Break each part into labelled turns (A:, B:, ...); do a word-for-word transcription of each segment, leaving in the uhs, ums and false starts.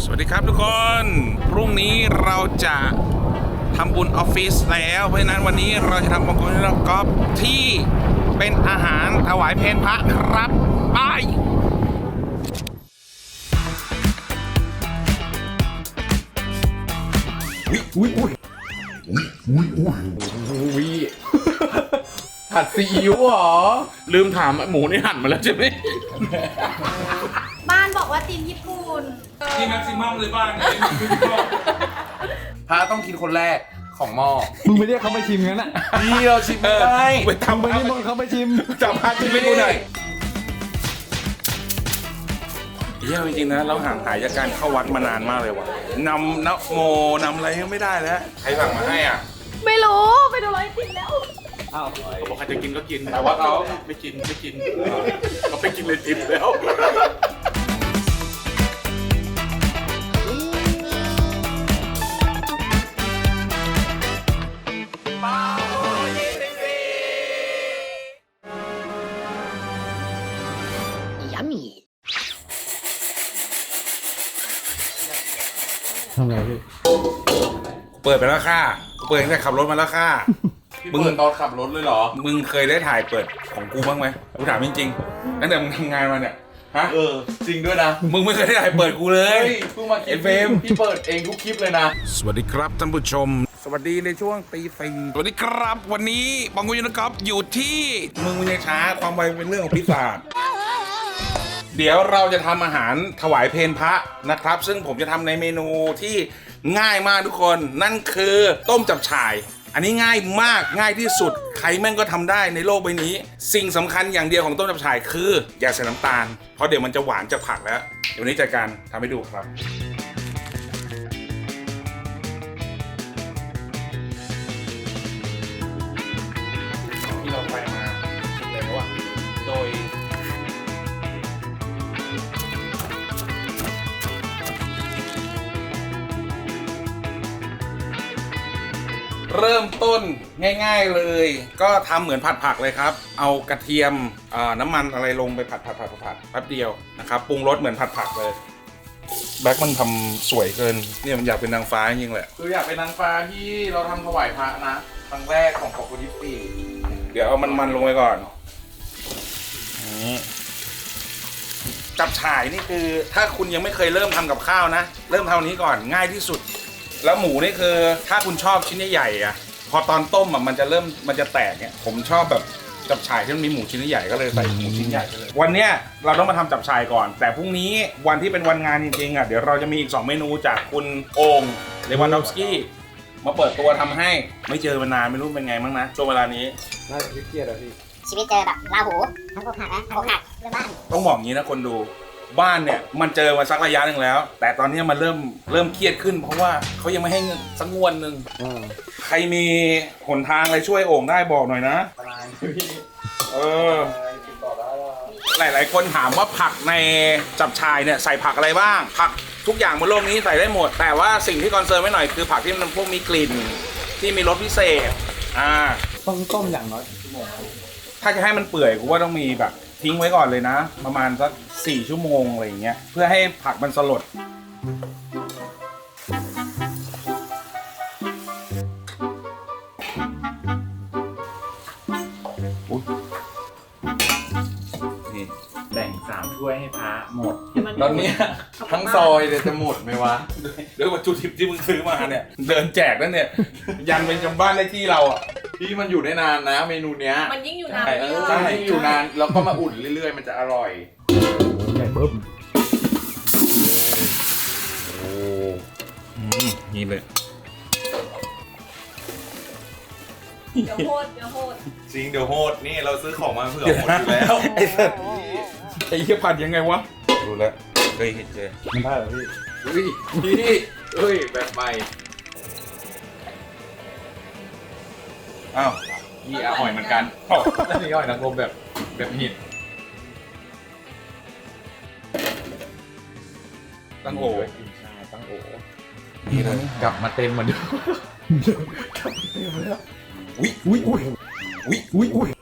A: วัสดีครับทุกคนพรุ่งนี้เราจะทำบุญออฟฟิศแล้วเพราะฉะนั้นวันนี้เราจะทำบุญกอล์ฟที่เป็นอาหารถวายเพลพระครับไป
B: อุ้ยอุ้ยอุ้ยอุ้ยอุ้ยอุ้ยผัดซีอิ๊วเหรอลืมถามหมูนี่หั่นมาแล้วใช่ไหม
C: บ้านบอกว่าทีมญี่ปุ่น
A: ที่แม็กซิมัมเลยบ้าง
B: พระต้องกินคนแรกของหม้อ
D: มึงไม่เรียกเขามาชิมงั้นอ่ะ
B: นี่เราชิมไม่ได้
A: ไป
D: ทำ
A: ทำ
D: ไป
A: ไป
D: นี่มึงเขามาชิม
A: จับพาชิมให้ดูหน่อยเยี่ยมจริงๆนะเราห่างหายจากการเข้าวัดมานานมากเลยว่ะนำนะโมนำอะไรก็ไม่ได้แล้วใครสั่งมาให้อ่ะ
C: ไม่รู้ไปดูร้อยติดแล้ว
D: อ้าว
A: บอกใครจะกินก็กินแต่ว่าเขาไม่กินไม่กินเขาไม่กินเลยทิปแล้ว
D: ทำไงพี่
A: เปิดไปแล้วค่ะเปิดตั้งแต่ขับรถมาแล้วค่ะ
B: มึงตอนขับรถเลยเหรอ
A: มึงเคยได้ถ่ายเปิดของกูบ้างไหมกูถามจริงๆตั้งแต่มึงทำงานมาเนี่ยฮะ
B: เออจริงด้วยนะ
A: มึงไม่เคยได้ถ่ายเปิดกูเลย
B: เฮ้ยเพิ่งมาคลิป
A: ไอ้เฟรม
B: พี่เปิดเองทุกคลิปเลยนะ
A: สวัสดีครับท่านผู้ชม สวัสดีในช่วงตีสี่สวัสดีครับวันนี้บังกุยนกอล์ฟอยู่ที่มึงมึงยังช้าความไวเป็นเรื่องของพิศาจเดี๋ยวเราจะทำอาหารถวายเพลพระนะครับ ซึ่งผมจะทำในเมนูที่ง่ายมากทุกคนนั่นคือต้มจับฉ่าย อันนี้ง่ายมากง่ายที่สุดใครแม่งก็ทำได้ในโลกใบนี้ สิ่งสำคัญอย่างเดียวของต้มจับฉ่ายคืออย่าใส่น้ำตาลเพราะเดี๋ยวมันจะหวานจากผักแล้วเดี๋ยววันนี้จัดการทำให้ดูครับที่เราไปมาคิดเลยว่าโดยเริ่มต้นง่ายๆเลยก็ทำเหมือนผัดผักเลยครับเอากระเทียมน้ำมันอะไรลงไปผัดผัดผัดผัดแป๊บเดียวนะครับปรุงรสเหมือนผัดผักเลยแบ็คมันทำสวยเกินเนี่ยมันอยากเป็นนางฟ้าจริงๆแหละ
B: คืออยากเป็นนางฟ้าที่เราทำถวายพระนะครั้งแรกของของคนที่สี่
A: เดี๋ยวเอามันมันลงไปก่อนนี่จับฉ่ายนี่คือถ้าคุณยังไม่เคยเริ่มทำกับข้าวนะเริ่มทำอันนี้ก่อนง่ายที่สุดแล้วหมูนี่คือถ้าคุณชอบชิ้นใหญ่ๆอ่ะพอตอนต้มอ่ะมันจะเริ่มมันจะแตกเนี่ยผมชอบแบบจับฉ่ายที่มันมีหมูชิ้นใหญ่ก็เลยใส่หมูชิ้นใหญ่ไปเลยวันเนี้ยเราต้องมาทำจับฉ่ายก่อนแต่พรุ่งนี้วันที่เป็นวันงานจริงๆอ่ะเดี๋ยวเราจะมีอีกสองเมนูจากคุณโอ่งเลวานดอฟสกี้มาเปิดตัวทำให้ไม่เจอมานานไม่รู้เป็นไงบ้างนะช่วงเวลานี้
D: น่าจะเครียดอะพี่
E: ชีวิตเจอแบบลาหูทั้งอกหักนะอกหักเรื่องบ้าน
A: ต้องบอกงี้นะคนดูบ้านเนี่ยมันเจอมาสักระยะหนึ่งแล้ว แต่ตอนนี้มันเริ่มเริ่มเครียดขึ้น เพราะว่าเขายังไม่ให้เงินสักงวดหนึ่งใครมีหนทางอะไรช่วยโอ่งได้บอกหน่อยนะเออหลายๆคนถามว่าผักในจับฉ่ายเนี่ยใส่ผักอะไรบ้าง ผักทุกอย่างบนโลกนี้ใส่ได้หมด แต่ว่าสิ่งที่คอนเซิร์นไว้หน่อยคือผักที่มันพวกมีกลิ่นที่มีรสพิเศษอ่า
D: ต้องต้มอย่างน้อยชั่วโมง
A: ถ้าจะให้มันเปื่อยกูว่าต้องมีแบบทิ้งไว้ก่อนเลยนะประมาณสักสี่ชั่วโมงอะไรอย่างเงี้ยเพื่อให้ผักมันสลดนี่
B: แบ่งสามถ้วยให้พระหมดตอนนี้ทั้งซอยเลยจะหมดไหมวะ
A: ด้วยวัตถุดิบที่มึงซื้อมาเนี่ยเดินแจกนั่นเนี่ยยันเป็นจำบ้านได้ที่เราอ่ะ
B: ที่มันอยู่ได้นานนะเมนูเนี้ย
C: มันยิ่งอยู่นาน
B: ใช่
C: ยิ่ง
B: ใช่อยู่นานแล้วก็มาอุ่นเรื่อยๆมันจะอร่อย
D: ใหญ่ปุ๊บ
A: โอ้อืมนี่เลย
C: เดี๋ยวโหดเดี๋ยวโหด
B: จริงเดี๋ยวโหดนี่เราซื้อของมาเผื่อหมดอยู่แล้ว
A: ไอ้สัสไอ้เหี้ยผัดยังไงวะดูแล้วเคยเห็นเจอ
D: มันได้เหรอพี่
B: เฮ้ยพี่เฮ้ยแบบใหม่
A: อ้าว
B: นี่อร่อยเหมือนกันอันนี้อร่อยนางรมแบบแบบหิน
A: ตั้งโอ
B: กินชาตั้งโอ
A: นี่เลย
B: กลับมาเต็มเหมือนเดิม
A: อุ้ยอุ้ยอุ้ยอุ้ยอุ้ยอุ้ย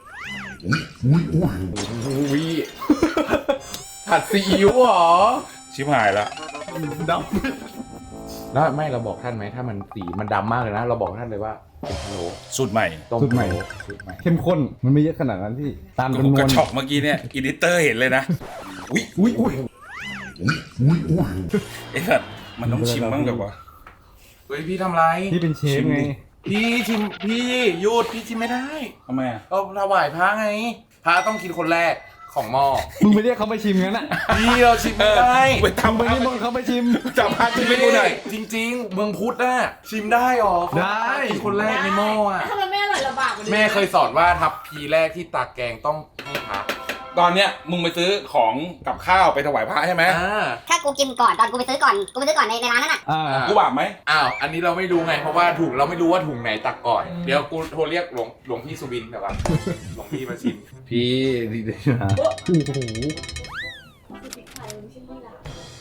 B: อุ้ยผัดซีอิ๊วเหรอ
A: ชิบหายละ
B: ดำแล้วไม่เราบอกท่านไหมถ้ามันสีมันดำมากเลยนะ เราบอกท่านเลยว่าเป็นพะโล้
A: สูตรใหม่
B: ต้ม
D: สูตรใหม่
B: พะโล้สูตรใหม่
D: เข้มข้นมันไม่เยอะขนาดนั้นพี่ตาม
A: ผ
D: จำ
A: ม
D: นว
A: ก
D: น
A: ระชอกเมื่อกี้เนี่ยอีดิเตอร์เห็นเลยนะอุ้ย
D: อุ้ยอุ้ยอุ้ยอุ้ย
A: ไอ้สัตว์มันต้องชิมบ้างแบบว่า
B: เฮ้ยพี่ทำไร
D: นี่เป็นเชฟไง
B: พี่ชิมพี่หยุดพี่ชิมไม่ได้
A: ทำไมอ่ะ
B: เราถวายพระไงพระต้องกินคนแรกของหม้อ
D: มึงไปเรียกเขาไปชิมงั้นอ่ะ
B: พี่เราชิมไม่ได้
A: ไป
D: ทำ
A: ทำ
D: ไป
A: ไป
D: นิมนต์เขาไปชิม
A: จับพาชิมให้ดูหน่อย
B: จริงๆเมืองพุทธน่ะชิมได้หรอ
D: ได้
B: กินคนแรกในหม้ออ่ะ
C: ถ้ามันไม่อร่อยลำบากกว่านี้
B: แม่เคยสอนว่าทัพพีแรกที่ตักแกงต้องให้พระ
A: ตอนเนี้ยมึงไปซื้อของกับข้าวไปถวายพระใช่ไหม
B: อ่า
E: ถ้ากูกินก่อนตอนกูไปซื้อก่อนกูไปซื้อก่อนในในร้านนั้นอ่ะ
D: อ่า
A: กูบาปไหม
B: อ้าวอันนี้เราไม่รู้ไงเพราะว่าถุงเราไม่รู้ว่าถุงไหนตักก่อนเดี๋ยวกูโทรเรียกหลวงหลวงพี่สุบินแบบว่าหลวงพี่มาชิม
D: พี่ดีเลยนะโอ้โห
C: คือพริกไทยไม่ใช่นี่ล่ะ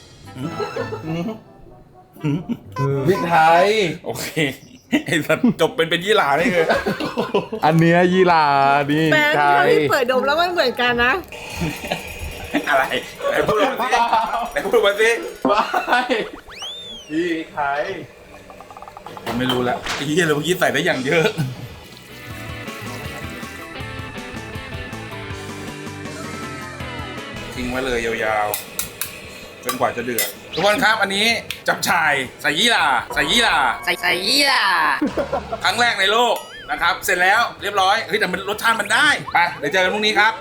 B: พริกไทย
A: โอเคไอ้สัตว์จบเป็นเป็นยี่หร่าได้เลย
B: อันเนี้ยยี่หร่านี่
C: แป้ง
B: ไท
C: ที่
B: ย
C: พี่เปิดดมแล้วมันเหมือนกันนะ
A: อะไรไหนพูดมาสิไหนพูดมาสิ
B: ว้ายพี่ไทย
A: ผมไม่รู้แล้วไอ้เหี้ยเลยเมื่อกี้ใส่ได้อย่างเยอะทิ้งไว้เลยยาวๆจนกว่าจะเดือดทุกคนครับอันนี้จับฉ่ายใส่ยี่หร่าใส่ยี่หร่า
E: ใส่ใส่ยี่ล่ะ
A: ครั้งแรกในโลกนะครับ เสร็จแล้วเรียบร้อยเฮ้ยแต่มันรสชาติมันได้ไปเดี๋ยวเจอกันพรุ่งนี้ครับ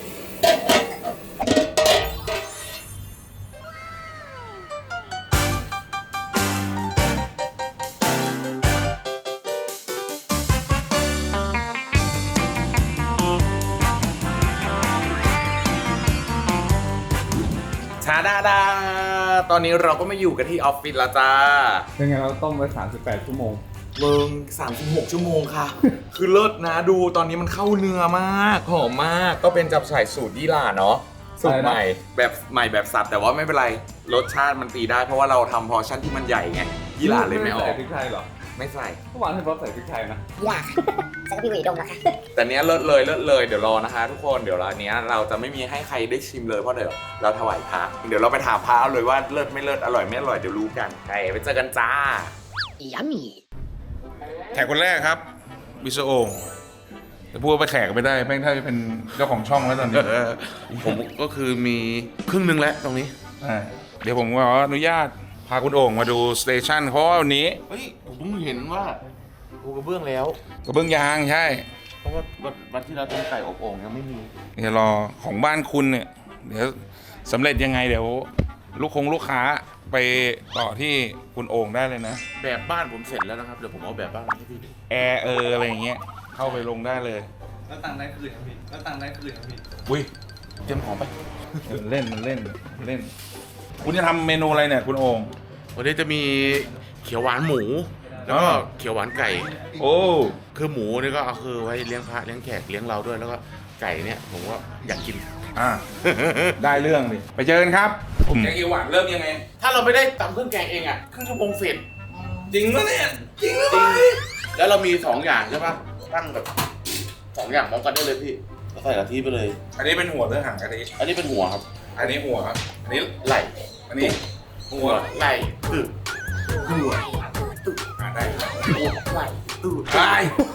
B: ชาดาดาตอนนี้เราก็มาอยู่กันที่ออฟฟิศแล้วจ้า
D: เป็นไงเราต้มไว้สามสิบแปดชั่วโมง
B: เมืองสามสิบหกชั่วโมงค่ะ คือเลิศนะดูตอนนี้มันเข้าเนื้อมากหอมมากก็เป็นจับฉ่ายสูตรยี่หร่าเนาะสูตรใหม่แบบใหม่แบบสับแต่ว่าไม่เป็นไรรสชาติมันตีได้เพราะว่าเราทำพอร์ชั่นที่มันใหญ่ไงยี่หร่าเลยไม่ออ
D: ใส่
B: ก
D: พริกไทยเหรอ
B: ไม่ใส่
D: เมื่อวานให้ป๊อปใส่พริกไทยนะ
E: ยี่ล่ะใส่กับพี่หวีดมแล้วค่ะ
B: แต่เนี้ยเลิศเลยเลิศเลยเดี๋ยวรอนะคะ ทุกคนเดี๋ยวเราเนี้ยเราจะไม่มีให้ใครได้ชิมเลยเพราะเดี๋ยวเราถวายพระเดี๋ยวเราไปถามพระเอาเลยว่าเลิศไม่เลิศอร่อยไม่อร่อยเดี๋ยวรู้กันไปไปเจอกันจ้า
E: ยัมมี่
A: แขกคนแรกครับบิสโองแต่พูดว่าไปแขกก็ไม่ได้แม่งถ้าจะเป็นเจ้าของช่องแล้วตอนนี้
B: ผมก็คือมีครึ่งนึงแล้วตรงนี้
A: อ่าเดี๋ยวผมขออนุญาตพาคุณโอ่งมาดูสเตชันเพราะว่าวันนี้
B: เฮ้ยผมเพิ่งเห็นว่ากูกระเบื้องแล้ว
A: กระเบื้องยางใช่
B: เพราะว่าวันที่เราทำไก่อบโอ่งยังไม่มี
A: เดี๋ยวรอของบ้านคุณเนี่ยเดี๋ยวสำเร็จยังไงเดี๋ยวลูกคงลูกค้าไปต่อที่คุณโอ่งได้เลยนะ
B: แบบบ้านผมเสร็จแล้วนะครับเดี๋ยวผมเอาแบบบ้านมาให้พี่ดู
A: แอร์เอออะไรอย่างเงี้ยเข้าไปลงได้เลย
D: แล้วตังได้คืนครับพี่แล้วตังได้คืนครับพี่
A: อุ้ย
B: เตรียมของไป
A: มันเล่นมันเล่นมันเล่น คุณจะทำเมนูอะไรเนี่ยคุณโอ่ง
B: วันนี้จะมีเขียวหวานหมู แล้วก็
A: อ๋อ
B: เขียวหวานไก่
A: โอ้
B: คือหมูนี่ก็เอาคือไว้เลี้ยงพระเลี้ยงแขกเลี้ยงเราด้วยแล้วก็ไก่เนี่ยผมว่าอยากกิน
A: อ่า ได้เรื่องดิไปเจอกันครับแกงเขียวหวานเริ่มยังไง
B: ถ้าเราไม่ได้ตำเครื่องแกงเองอ่ะครึ่งชั่วโมงเสร็จ
A: จริงปะเนี่ยจริงหรือ
B: จ
A: เป
B: ริ
A: ล่าง
B: แล้วเรามีสองอย่างใช่ปะตั้งแบบสองอย่างพร้อมกันได้เลยพี่แล้วใส่กะทิไปเลย
A: อันนี้เป็นหัวเรื่องหางกะทิ
B: อันนี้เป็นหัวครับ
A: อันนี้หัวอันนี้
B: ไหล่
A: อันนี้หั
B: หั
A: ว
B: วไหล่ตึกหัว
A: อ่าได้ครับ
B: หัวไหล่ตึก
A: ได้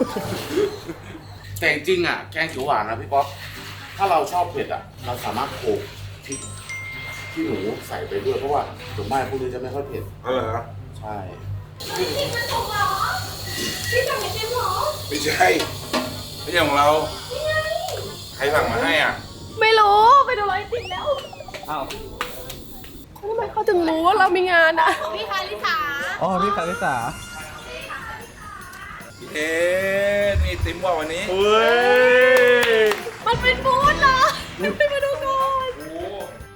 B: แต่จริงๆอ่ะแกงเขียวหวานนะพี่ป๊อปถ้าเราชอบเผ็ดอ่ะเราสามารถโขลกพริกที่หนูใส่ไปด้วยเพราะว่าส่วนมากพวกนี้จะไม่ค่อยเผ็ด
A: เอาเหรอ
B: ใช่
C: พี่มันถูกเหรอพี่สั่งไอติมเหรอ
A: ไม่ใช่ไม่ใช่ของเราใครสั่งมาให้อ่ะ
C: ไม่รู้ไปดูไอติมแล้ว
D: อ้าว
C: ทำไมเขาถึงรู้ว่าเรามีงานอ่ะพี่คาริสา
D: อ๋อพี่คาริสา
A: เอ๊ะนี่ติมว่าวันนี้
B: เฮ้ย
C: มันเป็นบูธเหรอไปมาดูก่อน
A: โอ้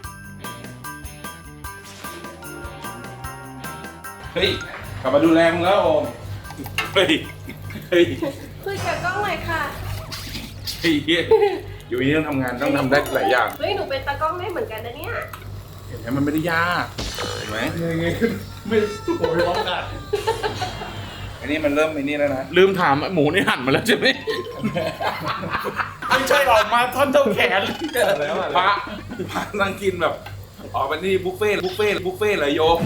A: เฮ้ยกลับมาดูแลมึงแล้วโอมเฮ้ยเฮ้ย
C: คุยกับกล้องหน่อยค่ะ
A: เฮ้ยอยู่นี่ต้องทำงานต้องทำได้หลายอย่าง
C: เฮ้ยหนูเป็นตากล้องได้เหมือนกันนะเนี่ย
A: เห็นไหมมันไม่ได้ยากเห็นไหม
D: ยังไงขึ้นไม่ผมไม่ร้องกัน
A: อันนี้มันเริ่มไอ้นี่แล้วนะ
B: ลืมถามหมูนี่หั่นมาแล้วใช่ไหมไม่ใช่ออกมาท่อนเท่าแขน
D: แล้วอะ
A: พระพระนั่งกินแบบอ๋อเป็นนี่บุฟเฟ่ต์บุฟเฟ่ต์บุฟเฟ่ต์เลยโยม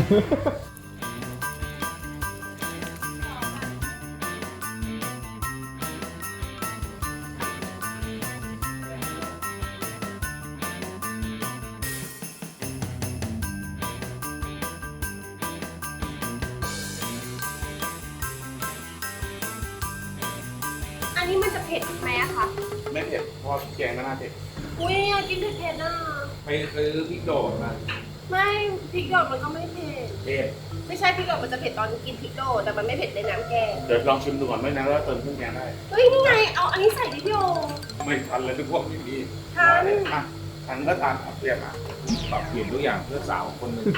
C: อันนี้มันจะเผ็ดไหมอะคะ
A: ไม่เผ็ดเพราะแกงน่าเผ็ด
C: อุ้ยอยากกินเผ็ดๆน่ะ
A: ไปซื้อพริกโดดมา
C: ไม่พริกดอกมันก็ไม่เผ็ด
A: เผ็ด
C: ไม่ใช่พริกดอกมันจะเผ็ดตอนกินพริกโดดแต่มันไม่เผ็ดในน้ำแกง
A: เดี๋ยวลองชิมดูก่อนไม่นะแล้วเติมเครื่องแกงได้
C: เฮ้ยนี่ไงเอาอันนี้ใส่ดิพี่โอ
A: ไม่ทันเลยทุกพวกอย่างนี้
C: ทัน
A: อ่ะทันก็ทานครับเรียกอ่ะปรับเปลี่ยนทุกอย่างเพื่อสาวคนหนึ่ง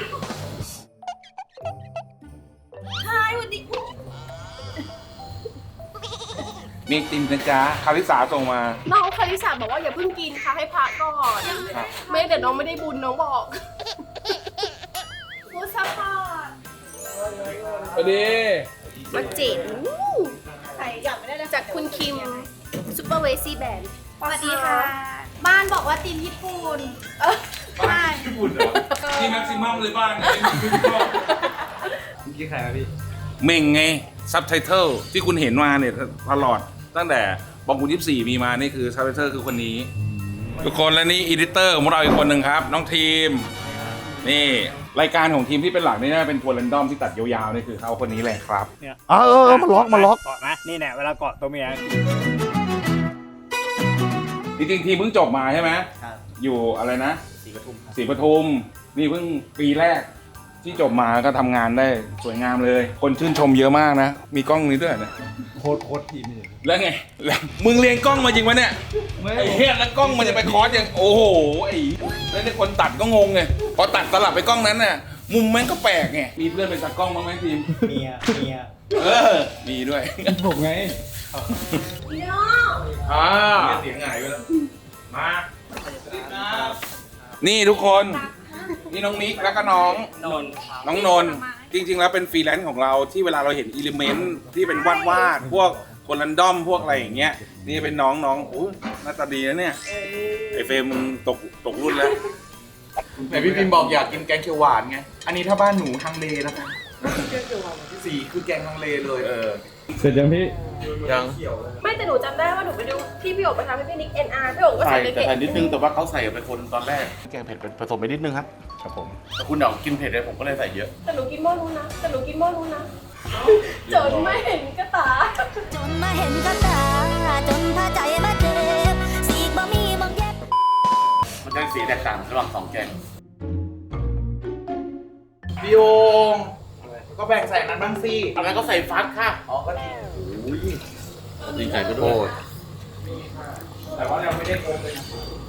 C: ใช่วันนี้อุ๊ย
A: มีติมนะจ๊ะคาริสาส่งมา
C: น้องคาริสาบอกว่าอย่าเพิ่งกินค่ะให้พักก่อน
A: ครับ
C: ไม่เดี๋ยวน้องไม่ได้บุญน้องบอกฟูดซัพพอร์ต
D: สวัสดี
C: มาเจ๋งใส่อยากไม่ได้เลยจากคุณคิมซูเปอร์เวซี่แบนด์สวัสดีค่ะ
F: บ้านบอกว่าทีมญี่ปุ่น
C: เออ
F: ใช่
A: ญี่ปุ่นเหรอที่แม็กซิมัมเลยบ้างไง
D: เมื่อกี้ใครนะพี่
A: เม่งไงซับไตเติลที่คุณเห็นมาเนี่ยตลอดตั้งแต่บองคุณยี่สิบสี่มีมานี่คือซับไตเติลคือคนนี้ ทุกคนและนี่อีดิเตอร์ของเราอีกคนหนึ่งครับ น้องทีม นี่รายการของทีมที่เป็นหลักนี่นะเป็นทัวร์เรนดอมที่ตัดยาวๆนี่คือเขาคนนี้เลยครับ
G: เนี่ย
H: เออเออเออมันล็อกมันล็อก
G: เกาะไหมนี่เนี่ยเวลาเกาะตัวเมีย
A: จริงๆทีมเพิ่งจบมาใช่ไหม
G: ครับ
A: อยู่อะไรนะ
G: สีปทุมครับ
A: ศรีปทุมนี่เพิ่งปีแรกที่จบมาก็ทำงานได้สวยงามเลย คนชื่นชมเยอะมากนะ มีกล้องนี้ด้วยนะ
D: โคตรโคตรทีมนี่
A: แล้วไงแล้วมึงเรียนกล้องมาจริงไหมเนี่ย
D: ไม่
A: ไอ้เฮียแล้วกล้องมันจะไปคอร์สยังโอ้โหไอ้แล้วในคนตัดก็งงไงพอตัดสลับไปกล้องนั้นน่ะมุมแม่งก็แปลกไงมีเพื่อนเป็นตากล้องบ้างไหมทีม
G: เมียเมีย
A: เออมีด้วย
D: ผมไง
C: พี่น้อง
A: อ่าเสียงหายไปแล้วมานี่ทุกคนนี่น้องมิกแล้วก็น้อง
G: นนท์ครับ
A: น้องนนท์จริงๆแล้วเป็นฟรีแลนซ์ของเราที่เวลาเราเห็นอิเลเมนต์ที่เป็นวาดวาดๆพวกคนรันดอมพวกอะไรอย่างเงี้ยนี่เป็นน้องน้องโอ้หน้าตาดีนะเนี่ยไอเฟรมมึงตกตกรุ่นแล้ว
B: แต่พี่พิมพ์บอกอยากกินแกงเขียวหวานไง อันนี้ถ้าบ้านหนูฮังเลนะคะสีคือแกงฮังเลเลยเออ
D: เสร็จยังพี่
B: ยัง
C: ไม่แต่หนูจำได้ว่าหนูไปดูที่พี่โอ๋ไปทำให้พี่นิก เอ็น อาร์ พี่โอ๋ก็
I: ใส่
C: ใส่ไป
I: แต่
C: เผ็ด
I: ใส่นิดนึงแต่ว่าเขาใส่ไปคนตอนแรกแกงเผ็ดผสมไปนิดนึงครับ
A: ครับผม
I: แต่คุณเดากินเผ็ดเลยผมก็เลยใส่เยอะ
C: แต่หนูกินหม้อนู้นนะ แต่หนูกินหม้อนู้นนะ จนไม่เห็นกระตา
F: จนมาเห็นกับตา จนพาใจมาเจ็บสีกบ่มีบางแยก
I: มันจะสีแตกต่างระหว่างสองแกง
B: พี่โองก็แบ่งใส่นั้นบ้างสิ
I: อันนั้นก็ใส่ฟักค่ะ
B: อ๋อก็ดี
I: ตีไก่ก็ด้วย
A: แต่ว่าเราไม่ได้โกงเลย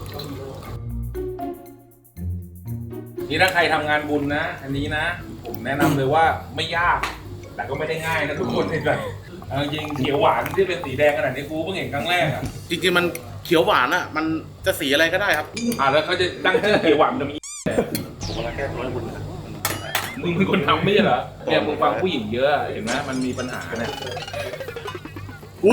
A: นี่ถ้าใครทำงานบุญนะ อันนี้นะ ผมแนะนำเลยว่าไม่ยาก แต่ก็ไม่ได้ง่ายนะทุกคนเห็นไหมเอาจริงเขียวหวานที่เป็นสีแดงขนาดนี้กูเพิ่งเห็นครั้งแรกอ่ะ
I: จริงๆมันเขียวหวานอ่ะ มันจะสีอะไรก็ได้ครับ
A: อ่าแล้วเขาจะตั้งชื่อเขียวหวานมันจะมี
I: ผมกำลังแก้ตัวให้คุณนะ
A: มึงเป็นคนทำไม่ใช่เหรอเนี่ยมึงฟังผู้หญิงเยอะเห็นไหมมันมีปัญหาเนี่ย
I: อู้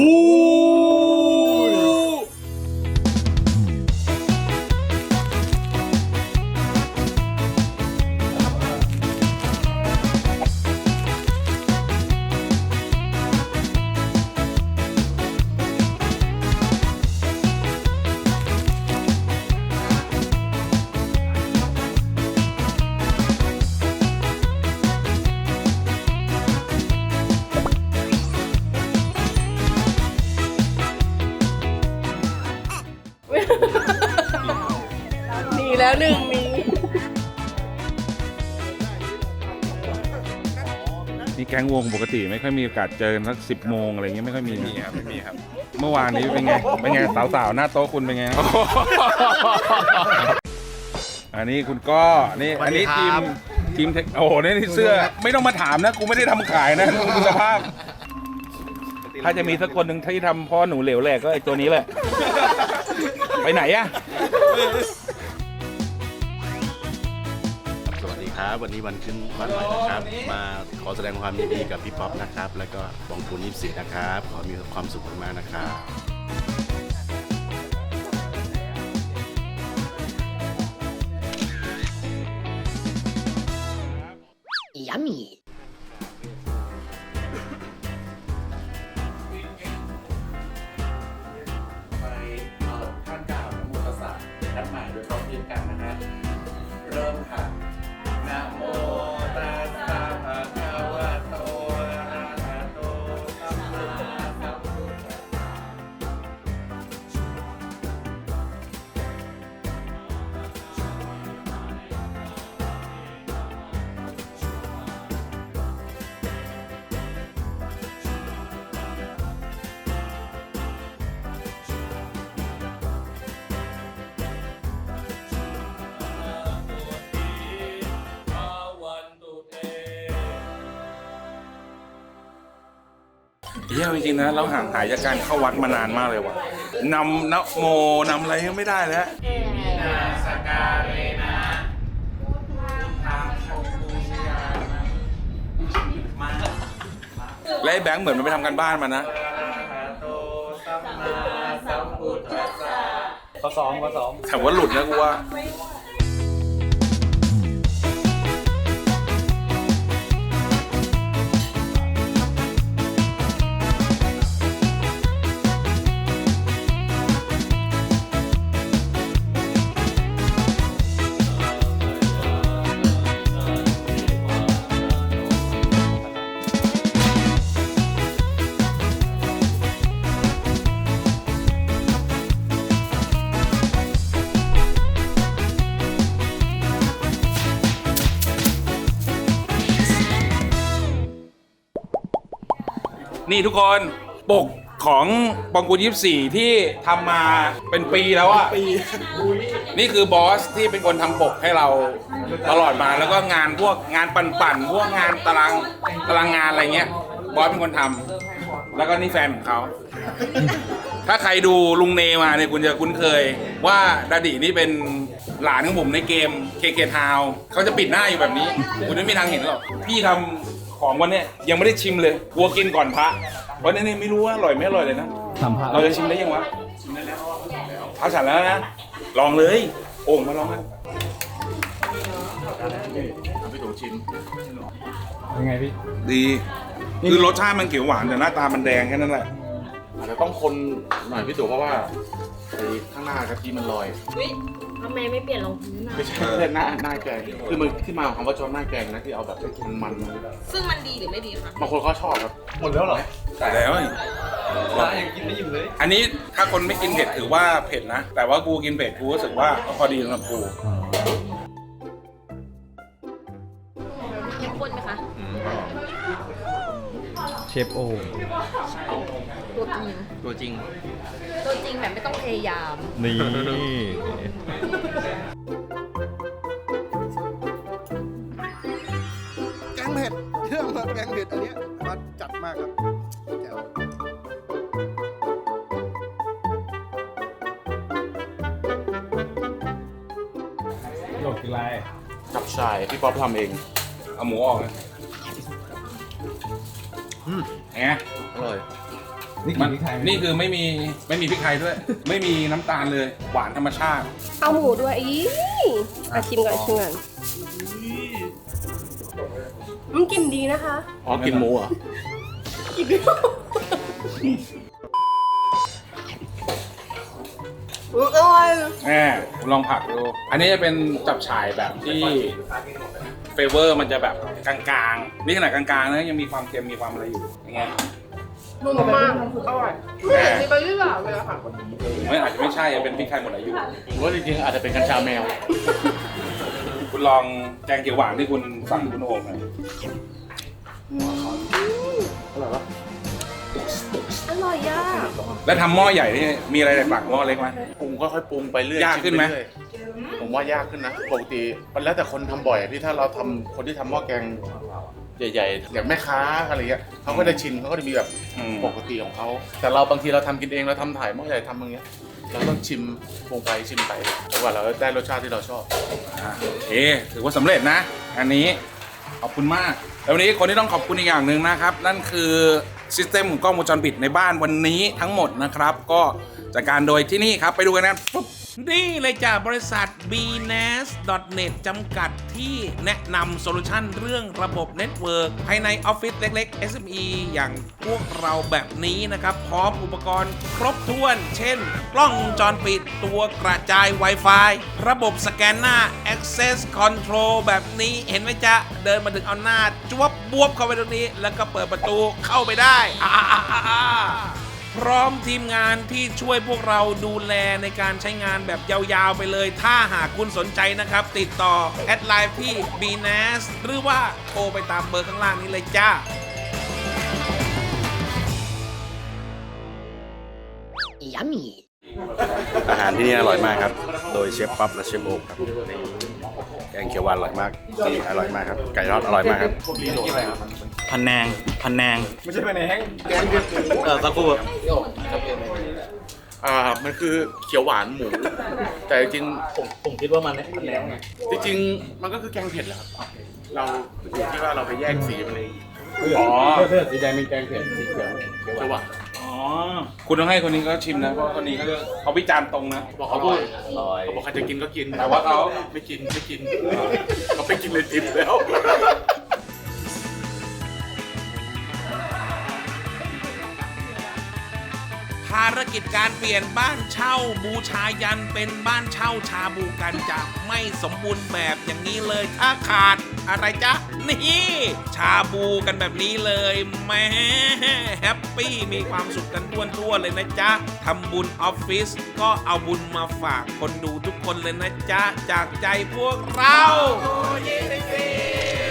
C: หนีแล้วหนึ่งหนี
A: นี่แก๊งวงปกติไม่ค่อยมีโอกาสเจอกันสักสิบโมงอะไรเงี้ยไม่ค่อยมีครับไม่มีครับเมื่อวานนี้เป็นไงเป็นไงสาวๆหน้าโต๊ะคุณเป็นไง อันนี้คุณก็นี่อันนี้ทีมทีมเทคโอ้โหนี่เสื้อไม่ต้องมาถามนะกูไม่ได้ทำขายนะดูสภาพ ถ้าจะมีสักคนหนึ่งที่ทำพ่อหนูเหลวแหลกก็ไอตัวนี้แหละ ไปไหนอะ
I: สวัสดีครับ วันนี้วันขึ้นวันใหม่นะครับ มาขอแสดงความยินดีกับพี่ป๊อปนะครับ แล้วก็บองคูณยี่สิบสี่นะครับ ขอมีความสุขมากๆนะครับ
B: เดี๋ยวต้องพิมพ์กันนะฮะเริ่มค่ะนะโมตัสสะภะคะวะโตอะระหะโตสัมมาสัมพุทธัสสะ
A: เยี่ยมจริงๆนะเราห่างหายจากการเข้าวัดมานานมากเลยว่ะนำนะโมนำอะไรยังไม่ได้แล้ว
B: นาสการเรนะทางชมพูชยามา
A: และไอ้แบงค์เหมือนมันไปทำกันบ้านมานะ
B: โตสัมมาสัมพุทธัสสะ
D: ข้อสองข้อสอง
A: แต่ว่าหลุดนะกูว่า นี่ทุกคนปกของปองกูยี่สิบสี่ที่ทำมาเป็นปีแล้วอะนี่คือบอสที่เป็นคนทำปกให้เราตลอดมาแล้วก็งานพวกงานปั่นๆพวกงานตารางตารางงานอะไรเงี้ยบอสเป็นคนทำแล้วก็นี่แฟนของเขา ถ้าใครดูลุงเนมาเนี่ยคุณจะคุ้นเคยว่าดาดินี่เป็นหลานของผมในเกม เค เค Town เขาจะปิดหน้าอยู่แบบนี้คุณไม่มีทางเห็นหรอกพี่ทำของวันเนี้ยยังไม่ได้ชิมเลยกลัวกินก่อนพระวันนี้นี่ไม่รู้ว่าอร่อยไม่อร่อยเลยนะ
D: ทำพระ
A: เราจะชิมได้ยังวะชิมได้แล้วพระฉันแล้วนะลองเลยโอ่งมาลองกัน
I: พี่ตู่ชิม
D: ยังไงพี่
A: ดีคือรสชาติมันเขียวหวานแต่หน้าตามันแดงแค่นั้นแหละ
I: อาจจะต้องคนหน่อยพี่ตู่เพราะว่าไอ้ข้างหน้ากะทิมันลอย
C: ทำไมไม่เปลี่ยนรองพื้นอ่ะ
I: ไม่ใช่ไม่ใช่หน้าหน้าแกงคือมันที่มาของคำว่าจอนหน้าแกงนะที่เอาแบบมันมันๆมา
C: ซึ่งมันดีหรือไม่ดีคะ
I: บางคนเขาชอบครับ
D: หมดแล้วเหรอ
A: แต่แล้ว
D: พระยังกินไม่อิ่มเลย
A: อันนี้ถ้าคนไม่กินเผ็ดถือว่าเผ็ดนะ แต่ว่ากูกินเผ็ดกูรู้สึกว่าพอดีสำหรับกู
C: เข้มข้นไหมคะ
D: เชฟโอ
C: ตัวจริง
D: ตัวจริง
C: ตัวจริงแบบไม่ต้องพยายาม
D: นี่
H: แกงเผ็ดเรื่องแบบแกงเผ็ดอันเนี้ยมันจัดมากครับแจ๋ว
D: หลบกินไร
I: จับชายพี่ป๊อปทำเอง
A: เอาหมูออกนะ
I: อืม
A: ไง
I: อร่อย
D: นี่
A: มั
D: กิน
A: น
D: พริกไทยไหม
A: นี่คือไม่มีไม่มีพริกไทยด้วย ไม่มีน้ำตาลเลยหวานธรรมชาติ
C: เอาหมูด้วยอีอ่ะชิมก่อนชิมก่อนมันกลิ่นดีนะคะ
I: อ๋อกินหมูเหรอ่ะ
C: กลิ่นดีอืมอร่อย
A: แหมลองผักดู อันนี้จะเป็นจับฉ่ายแบบที่เฟเวอร์มันจะแบบกลางๆ นี่ขนาดกลางๆนะยังมีความเค็มมีความอะไรอยู่ยังไง
C: นุ่มมากอร่อยไม่เห็นมีใบยี่หร่าเลยอะค่ะ
A: ไม่อาจจะไม่ใช่เป็นพริกไทยหมดอายุ
I: ผมว่าจริงๆอาจจะเป็นกัญชาแมว
A: คุณลองแกงเขียวหวานที่คุณสั่งคุณโอมหน่อย
I: อร่อยปะ
C: อร่อยอ่ะ
A: แล้วทำหม้อใหญ่นี่มีอะไรแตกต่างหม้อเล็กไหม
I: ปรุงค่อยๆปรุงไปเรื่อย
A: ยากขึ้นไหม
I: ชิปเรื่อยผมว่ายากขึ้นนะปกติมันแล้วแต่คนทำบ่อยอะพี่ถ้าเราทำคนที่ทำหม้อแกงใหญ่ๆอย่างแม่ค้าอะไรเงี้ยเขาก็ได้ชินเขาก็จะมีแบบ
A: อืม
I: ปกติของเขาแต่เราบางทีเราทำกินเองเราทำถ่ายหม้อใหญ่ทำอย่างเงี้ยเราต้องชิมปรุงไปชิมไปจนกว่าเราได้รสชาติที่เราชอบ
A: อ่ะโอเคถือว่าสำเร็จนะ อันนี้ขอบคุณมาก แล้ววันนี้คนที่ต้องขอบคุณอีกอย่างหนึ่งนะครับ นั่นคือซิสเต็มของกล้องวงจรปิดในบ้านวันนี้ทั้งหมดนะครับ ก็จัดการโดยที่นี่ครับไปดูกันนะปุ๊บนี่เลยจ้ะบริษัท บี เนส ดอท เน็ต จำกัดที่แนะนำโซลูชันเรื่องระบบเน็ตเวิร์กภายในออฟฟิศเล็กๆ เอส เอ็ม อี อย่างพวกเราแบบนี้นะครับ พร้อมอุปกรณ์ครบถ้วน เช่น กล้องวงจรปิดตัวกระจาย Wi-Fi ระบบสแกนหน้า Access Control แบบนี้เห็นไหมจ๊ะ เดินมาถึงเอาหน้าจวบบวบเข้าไปตรงนี้แล้วก็เปิดประตูเข้าไปได้อ่าพร้อมทีมงานที่ช่วยพวกเราดูแลในการใช้งานแบบยาวๆไปเลย ถ้าหากคุณสนใจนะครับ ติดต่อแอดไลน์ที่ บี เนส หรือว่าโทรไปตามเบอร์ข้างล่างนี้เลยจ้า
E: Yummy
J: อาหารที่นี่อร่อยมากครับ โดยเชฟปั๊บและเชฟโอ๊คครับแกงเขียวหวานอร่อยมากนี่อร่อยมากครับ ไก่ทอดอร่อยมากครับ
G: พันแนง พันแนง
D: ไม่ใช่ไปไหนแห้ง
G: เออสักครู่
I: อ่ามันคือเขียวหวานหมู แต่จริง
G: ผมผมคิดว่ามันพันแนงไง
I: ๆจริงๆมันก็คือแกงเผ็ดแหละครับ เราอยู่ที่ว่าเราไปแยกสีมันเอง
D: อ๋อเสื้อสีแดงเป็นแกงเผ็ดสีเขียว
I: เขียวหวาน
A: อ๋อ คุณต้องให้คนนี้เขาชิมนะ เพราะคนนี้เขาเขาวิจารณ์ตรงนะ
I: บอกเขาพูดเขาบอกใครจะกินก็กิน
A: แต่ว่าเขา
I: ไม่กินไม่กินเขาไม่กินเลยทิปแล้ว
A: ภารกิจการเปลี่ยนบ้านเช่าบูชายันเป็นบ้านเช่าชาบูกันจะไม่สมบูรณ์แบบอย่างนี้เลยถ้าขาดอะไรจ๊ะ นี่ชาบูกันแบบนี้เลยแหม่แฮปปี้มีความสุขกันทั่วๆเลยนะจ๊ะทำบุญออฟฟิศก็เอาบุญมาฝากคนดูทุกคนเลยนะจ๊ะ จากใจพวกเรา